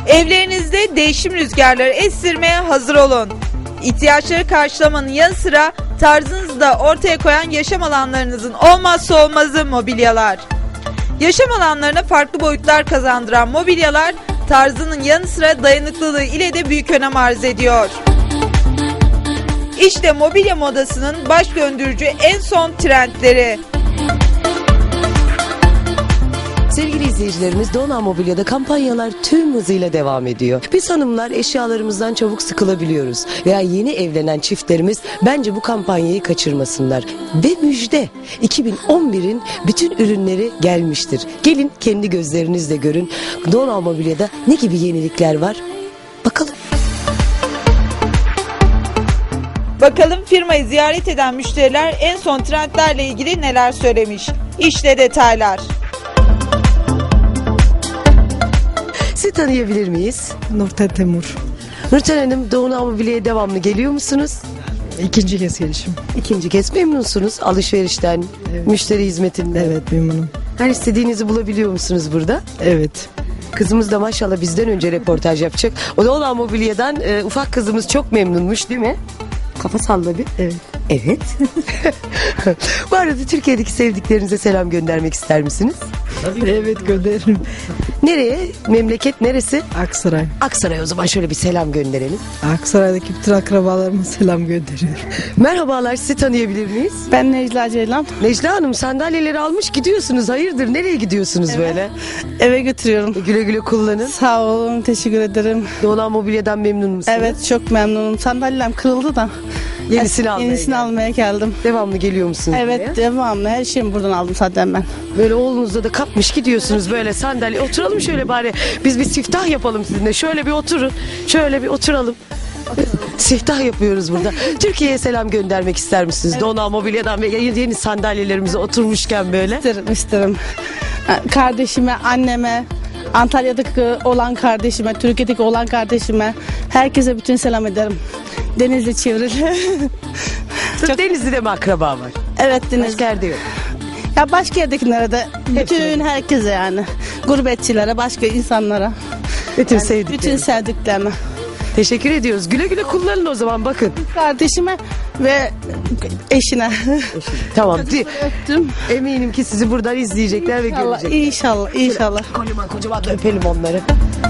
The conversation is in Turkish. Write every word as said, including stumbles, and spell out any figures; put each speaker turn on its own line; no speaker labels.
Evlerinizde değişim rüzgarları estirmeye hazır olun. İhtiyaçları karşılamanın yanı sıra tarzınızı da ortaya koyan yaşam alanlarınızın olmazsa olmazı mobilyalar. Yaşam alanlarına farklı boyutlar kazandıran mobilyalar tarzının yanı sıra dayanıklılığı ile de büyük önem arz ediyor. İşte mobilya modasının baş döndürücü en son trendleri.
Sevgili izleyicilerimiz, Dona Mobilya'da kampanyalar tüm hızıyla devam ediyor. Biz hanımlar eşyalarımızdan çabuk sıkılabiliyoruz. Veya yeni evlenen çiftlerimiz bence bu kampanyayı kaçırmasınlar. Ve müjde, iki bin on birin bütün ürünleri gelmiştir. Gelin kendi gözlerinizle görün. Dona Mobilya'da ne gibi yenilikler var? Bakalım.
Bakalım firmayı ziyaret eden müşteriler en son trendlerle ilgili neler söylemiş. İşte detaylar.
Sizi tanıyabilir miyiz?
Nurten Temur.
Nurten Hanım, Dona Mobilya'ya devamlı geliyor musunuz?
İkinci kez gelişim.
İkinci kez memnunsunuz alışverişten,
Evet.
müşteri hizmetinden.
Evet, memnunum.
Her istediğinizi bulabiliyor musunuz burada?
Evet.
Kızımız da maşallah bizden önce reportaj yapacak. O da Dona Mobilya'dan e, ufak kızımız çok memnunmuş değil mi? Kafa salla bir.
Evet.
Evet. Bu arada Türkiye'deki sevdiklerinize selam göndermek ister misiniz?
Evet, gönderirim.
Nereye? Memleket neresi?
Aksaray.
Aksaray, o zaman şöyle bir selam gönderelim.
Aksaray'daki bütün akrabalarıma selam gönderiyorum.
Merhabalar, sizi tanıyabilir miyiz?
Ben Necla Ceylan.
Necla Hanım, sandalyeleri almış gidiyorsunuz. Hayırdır, nereye gidiyorsunuz böyle?
Eve götürüyorum.
Güle güle kullanın.
Sağ olun, teşekkür ederim.
Dona Mobilya'dan memnun musunuz?
Evet, çok memnunum. Sandalyem kırıldı da.
Yenisini almaya
Yenisini
geldim.
almaya geldim.
Devamlı geliyor musunuz
Evet,
buraya?
devamlı. Her şeyimi buradan aldım zaten ben.
Böyle oğlunuzda da kapmış gidiyorsunuz böyle sandalye. Oturalım şöyle bari. Biz bir siftah yapalım sizinle. Şöyle bir oturun. Şöyle bir oturalım. Siftah yapıyoruz burada. Türkiye'ye selam göndermek ister misiniz? Evet. Dona Mobilya'dan ve yeni, yeni sandalyelerimize oturmuşken böyle.
İsterim, isterim. Kardeşime, anneme, Antalya'daki olan kardeşime, Türkiye'deki olan kardeşime, herkese bütün selam ederim. Denizli çevrili.
Sırf Denizli'de mi akraba var?
Evet, Denizli.
Başka yerde yok.
Ya başka yerdekilere de, bütün herkese yani. Gurbetçilere, başka insanlara.
Bütün
Yani
sevdiklerinize.
bütün sevdiklerime.
Teşekkür ediyoruz. Güle güle kullanın o zaman, bakın.
Kardeşime ve eşine.
Tamam.
Öptüm.
Eminim ki sizi buradan izleyecekler ve
İnşallah,
görecekler.
inşallah, inşallah.
Kocaman kocaman da öpelim onları.